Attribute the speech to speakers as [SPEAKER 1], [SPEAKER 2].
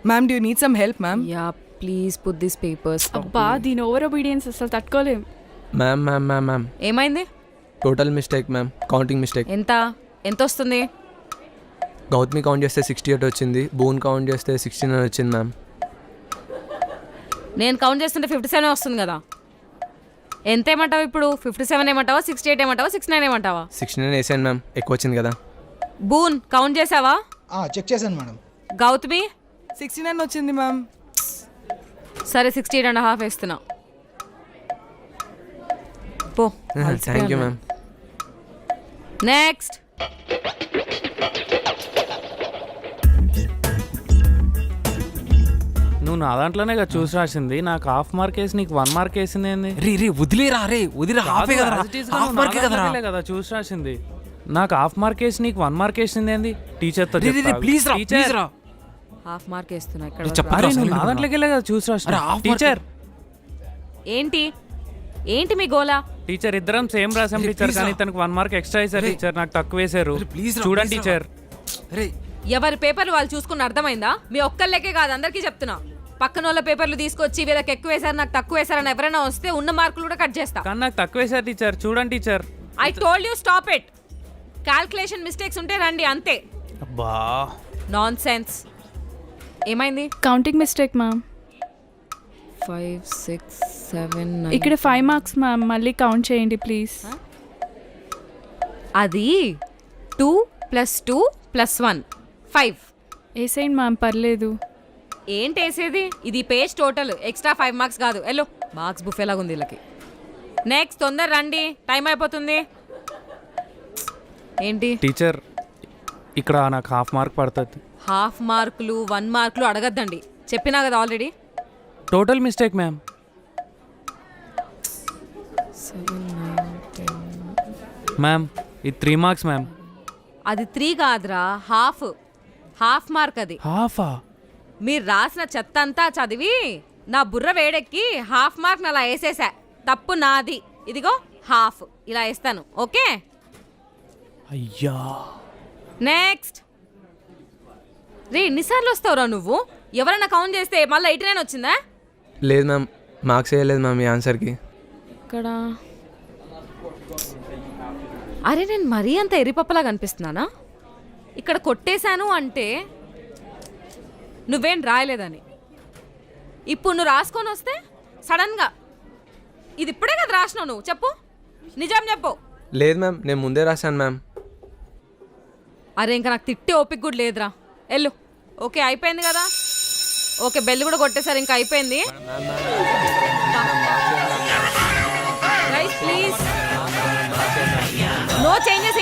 [SPEAKER 1] Ma'am do you need some help ma'am?
[SPEAKER 2] Yeah please put this papers.
[SPEAKER 3] అబ్బా దీని over obedience అసలు తట్టుకోలేం.
[SPEAKER 4] Ma'am ma'am ma'am ma'am
[SPEAKER 2] ఏమైంది?
[SPEAKER 4] Total mistake ma'am, counting mistake.
[SPEAKER 2] ఎంత వస్తుంది?
[SPEAKER 4] Gautami count చేస్తే 68 వచ్చింది, బోన్ కౌంట్ చేస్తే 69 వచ్చింది మ్యామ్.
[SPEAKER 2] నేను కౌంట్ చేస్తుంటే 57 వస్తుంది కదా. ఎంత ఏమంటావు ఇప్పుడు? 57 ఏమంటావా, 68 ఏమంటావా, 69 ఏమంటావా?
[SPEAKER 4] 69 వేసాను మ్యామ్, ఎక్కువ వచ్చింది కదా.
[SPEAKER 2] బూన్ కౌంట్ చేసావా?
[SPEAKER 5] చెక్ చేశాను మేడం.
[SPEAKER 2] గౌతమి
[SPEAKER 1] 69 వచ్చింది మ్యామ్.
[SPEAKER 2] సరే 68.5 వేస్తున్నా. పో.
[SPEAKER 4] Thank you ma'am.
[SPEAKER 2] నెక్స్ట్.
[SPEAKER 6] నువ్వు నా దాంట్లోనే కదా చూసి రాసింది, నాకు హాఫ్ మార్క్ వేసి నీకు 1 మార్క్ వేసింది ఏంది?
[SPEAKER 4] రే వదిలేరా, హాఫే కదరా.
[SPEAKER 6] కదా చూసి రాసింది, నాకు హాఫ్ మార్క్ వేసి నీకు 1 మార్క్ వేసింది ఏంది? టీచర్తో
[SPEAKER 4] ప్లీజ్ రా.
[SPEAKER 2] హాఫ్ మార్క్ వేస్తున్నా ఇక్కడ.
[SPEAKER 6] నా దాంట్లోకి వెళ్ళే కదా చూసి రాసిన. టీచర్
[SPEAKER 2] ఏంటి మీ గోలా?
[SPEAKER 6] టీచర్ ఇద్దరం సేమ్ రాసాం టీచర్, కానీ తనకు 1 మార్క్ ఎక్స్ట్రా వేసారు టీచర్, నాకు తక్కువ వేసారు. చూడండి టీచర్.
[SPEAKER 2] ఎవరి పేపర్లు వాళ్ళు చూసుకుని అర్థమైందా? మీ ఒక్కళ్ళకే కాదు అందరికీ చెప్తున్నా. పక్కన వాళ్ళ పేపర్లు తీసుకొచ్చి వీళ్ళకి ఎక్కువ వేశారు నాకు తక్కువ వేశారని ఎవరైనా వస్తే ఉన్న మార్కులు కూడా కట్ చేస్తా.
[SPEAKER 6] కానీ నాకు తక్కువ వేసారు టీచర్, చూడండి teacher.
[SPEAKER 2] I told you stop it. Calculation mistakes ఉంటే రండి అంతే.
[SPEAKER 6] అబ్బా
[SPEAKER 2] నాన్ సెన్స్. ఏమైంది?
[SPEAKER 3] Counting mistake ma'am.
[SPEAKER 2] 5 6 7 9.
[SPEAKER 3] ఇక్కడ 5 మార్క్స్ మ్యామ్, మళ్ళీ కౌంట్ చేయండి ప్లీజ్.
[SPEAKER 2] అది 2 + 2 + 1 5.
[SPEAKER 3] వేసేయండి మ్యామ్, పర్లేదు.
[SPEAKER 2] ఏంటి వేసేది? ఇది పేజ్ టోటల్, ఎక్స్ట్రా 5 మార్క్స్ కాదు. ఎల్లో మార్క్స్ బుఫేలాగా ఉంది వీళ్ళకి. నెక్స్ట్ తొందర రండి, టైం అయిపోతుంది. ఏంటి
[SPEAKER 6] టీచర్, ఇక్కడ నాకు హాఫ్ మార్క్ పడుతుంది.
[SPEAKER 2] హాఫ్ మార్కులు 1 మార్కులు అడగద్దండి, చెప్పినా కదా ఆల్రెడీ.
[SPEAKER 6] Total mistake ma'am.
[SPEAKER 2] 7 9 10.
[SPEAKER 6] మ్యామ్ ఇది 3 మార్క్స్ మ్యామ్.
[SPEAKER 2] అది 3 కాదురా, హాఫ్ మార్క్ అది.
[SPEAKER 6] హాఫా?
[SPEAKER 2] మీరు రాసిన చెత్త అంతా చదివి నా బుర్ర వేడెక్కి హాఫ్ మార్క్ అలా వేసేసా. తప్పు నాది. ఇదిగో హాఫ్ ఇలా వేస్తాను, ఓకే?
[SPEAKER 6] అయ్యా.
[SPEAKER 2] నెక్స్ట్. రే ఎన్నిసార్లు వస్తావురా నువ్వు? ఎవరైనా కౌంట్ చేస్తే మళ్ళీ 89 వచ్చిందా?
[SPEAKER 4] లేదు మ్యామ్, మార్క్స్ వేయలేదు మ్యామ్ ఈ ఆన్సర్కి.
[SPEAKER 2] ఇక్కడ అరే నేను మరీ అంత ఎరిపప్పలా కనిపిస్తున్నానా? ఇక్కడ కొట్టేశాను అంటే నువ్వేం రాయలేదని. ఇప్పుడు నువ్వు రాసుకొని వస్తే సడన్గా ఇది ఇప్పుడే కదా రాసినావు నువ్వు. చెప్పు, నిజం చెప్పు.
[SPEAKER 4] లేదు మ్యామ్, నేను ముందే రాశాను మ్యామ్.
[SPEAKER 2] అరే ఇంకా నాకు తిట్టే ఓపిక కూడా లేదురా. వెళ్ళు. ఓకే అయిపోయింది కదా. ఓకే బెల్ కూడా కొట్టేశారు, ఇంకా అయిపోయింది. Guys please no changes